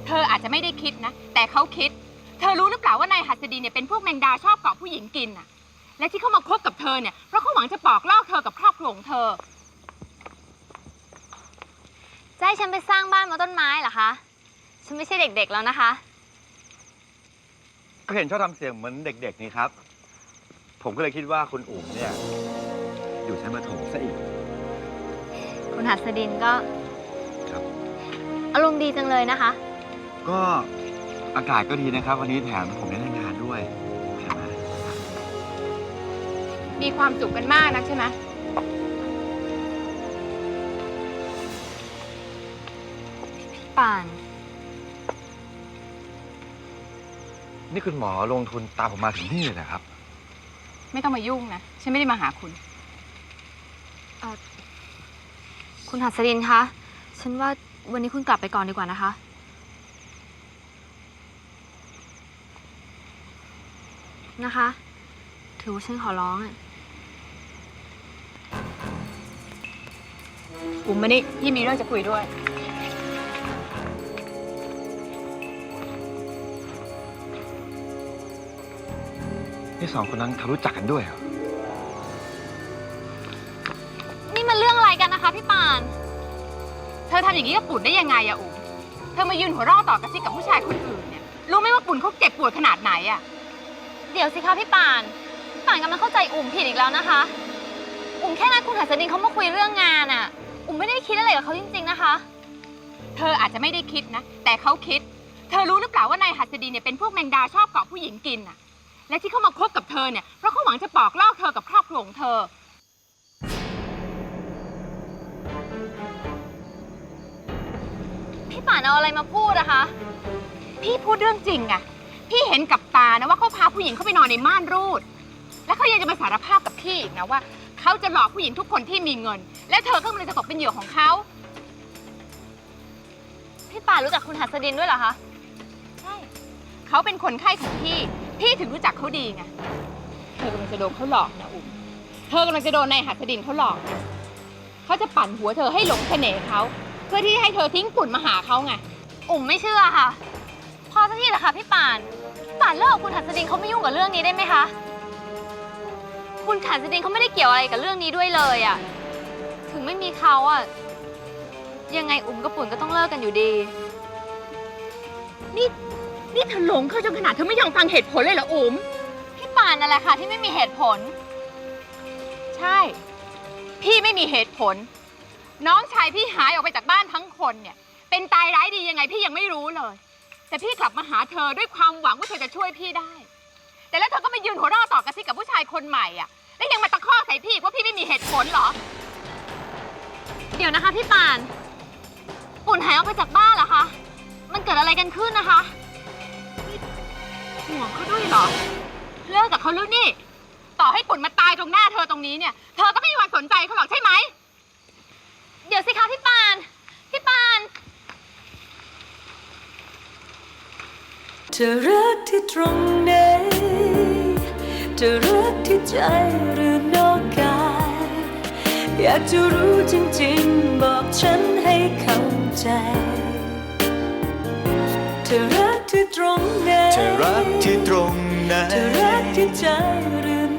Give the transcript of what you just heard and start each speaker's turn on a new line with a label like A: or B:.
A: เธออาจจะไม่ได้คิดนะแต่เขาคิดเธอรู้หรือเปล่าว่านายหัสดีเนี่ยเป็นพวกแมงดาชอบเกาะผู้หญิงกินน่ะและที่เขามาคบกับเธอเนี่ยเพราะเขาหวังจะปอกลอกเธอกับครอบครัวของเธอ
B: จะให้ฉันไปสร้างบ้านบนต้นไม้เหรอคะฉันไม่ใช่เด็กๆแล้วนะคะ
C: ก็เห็นชอบทำเสียงเหมือนเด็กๆนี่ครับผมก็เลยคิดว่าคุณอุ๋มเนี่ยอยู่ชั้นประถมซะอีก
B: คุณหัสดินก็
C: ครับ
B: อารมณ์ดีจังเลยนะคะ
C: ก็อากาศก็ดีนะครับวันนี้แถมผมได้ทำงานด้วยใช่ไหม
A: มีความสุขกันมากนักใช่ไหม
B: ป่าน
C: นี่คุณหมอลงทุนตามผมมาถึงนี่เลยนะครับ
A: ไม่ต้องมายุ่งนะฉันไม่ได้มาหาคุณ
B: คุณหัสดินคะฉันว่าวันนี้คุณกลับไปก่อนดีกว่านะคะนะคะถือว่าฉันขอร้อง
A: อุ๋มมานี่พี่มีเรื่องจะคุยด้วย
C: นี่สองคนนั้นเขารู้จักกันด้วยเหรอ
B: นี่มันเรื่องอะไรกันนะคะพี่ป่าน
A: เธอทำอย่างนี้กับปุ่นได้ยังไงอะอุ๋มเธอมายืนหัวเราะต่อกระซิบกับผู้ชายคนอื่นเนี่ยรู้ไหมว่าปุ่นเขาเจ็บปวดขนาดไหนอะ
B: เดี๋ยวสิคะพี่ป่านกำลังเข้าใจอุ๋มผิดอีกแล้วนะคะอุ๋มแค่นัดคุณหัสดินเขามาคุยเรื่องงานอะอุ๋มไม่ได้คิดอะไรกับเขาจริงๆนะคะ
A: เธออาจจะไม่ได้คิดนะแต่เขาคิดเธอรู้หรือเปล่าว่านายหัสดินเนี่ยเป็นพวกแมงดาชอบเกาะผู้หญิงกินอะและที่เขามาคบกับเธอเนี่ยเพราะเขาหวังจะปอกลอกเธอกับครอบครัวของเธอ
B: พี่ป่านเอาอะไรมาพูดอะคะ
A: พี่พูดเรื่องจริงอะพี่เห็นกับตานะว่าเขาพาผู้หญิงเข้าไปนอนในม่านรูดและเขายังจะมาสารภาพกับพี่อีกนะว่าเขาจะหลอกผู้หญิงทุกคนที่มีเงินและเธอก็เลยจะตกเป็นเหยื่อของเขา
B: พี่ป่านรู้จักคุณหัสดินด้วยเหรอคะ
A: ใช่เขาเป็นคนไข้ของพี่ถึงรู้จักเขาดีไงเธอกำลังจะโดนเขาหลอกนะอุ๋มเธอกำลังจะโดนนายหัสดินเขาหลอกเขาจะปั่นหัวเธอให้หลงเสน่ห์เขาเพื่อที่ให้เธอทิ้งปุ่นมาหาเขาไง
B: อุ๋มไม่เชื่อค่ะพอสักทีเหรอคะพี่ป่านเลิกกับคุณหัสดินเขาไม่ยุ่งกับเรื่องนี้ได้ไหมคะคุณหัสดินเขาไม่ได้เกี่ยวอะไรกับเรื่องนี้ด้วยเลยอะถึงไม่มีเขาอะยังไงอุ๋มกับปุ่นก็ต้องเลิกกันอยู่ดี
A: นี่เธอหลงเขาจนขนาดเธอไม่ยอมฟังเหตุผลเลยเหรออุ๋ม
B: พี่ป่านนั่นแหละค่ะที่ไม่มีเหตุผล
A: ใช่พี่ไม่มีเหตุผลน้องชายพี่หายออกไปจากบ้านทั้งคนเนี่ยเป็นตายร้ายดียังไงพี่ยังไม่รู้เลยแต่พี่กลับมาหาเธอด้วยความหวังว่าเธอจะช่วยพี่ได้แต่แล้วเธอก็มายืนหัวเราะต่อกระซิบกับผู้ชายคนใหม่อ่ะแล้วยังมาตะคอกใส่พี่ว่าพี่ไม่มีเหตุผลเหรอ
B: เดี๋ยวนะคะพี่ป่านปุ่นหายออกไปจากบ้านเหรอคะมันเกิดอะไรกันขึ้นนะคะ
A: ห่วงเขาด้วยเหรอเลิกกับเขาแล้วนี่ต่อให้ปุ่นมาตายตรงหน้าเธอตรงนี้เนี่ยเธอก็ไม่มีวันสนใจเขาหรอกใช่ไหม
B: เดี๋ยวสิคะพี่ป่าน
D: เธอรักที่ตรงไหนเธอรักที่ใจหรือนอกกายอยากจะรู้จริงๆบอกฉันให้เข้าใจเธอรักที่ตรงไหน
E: เธอรักที่ตรงไหน
D: เธอรักที่ใจหรือ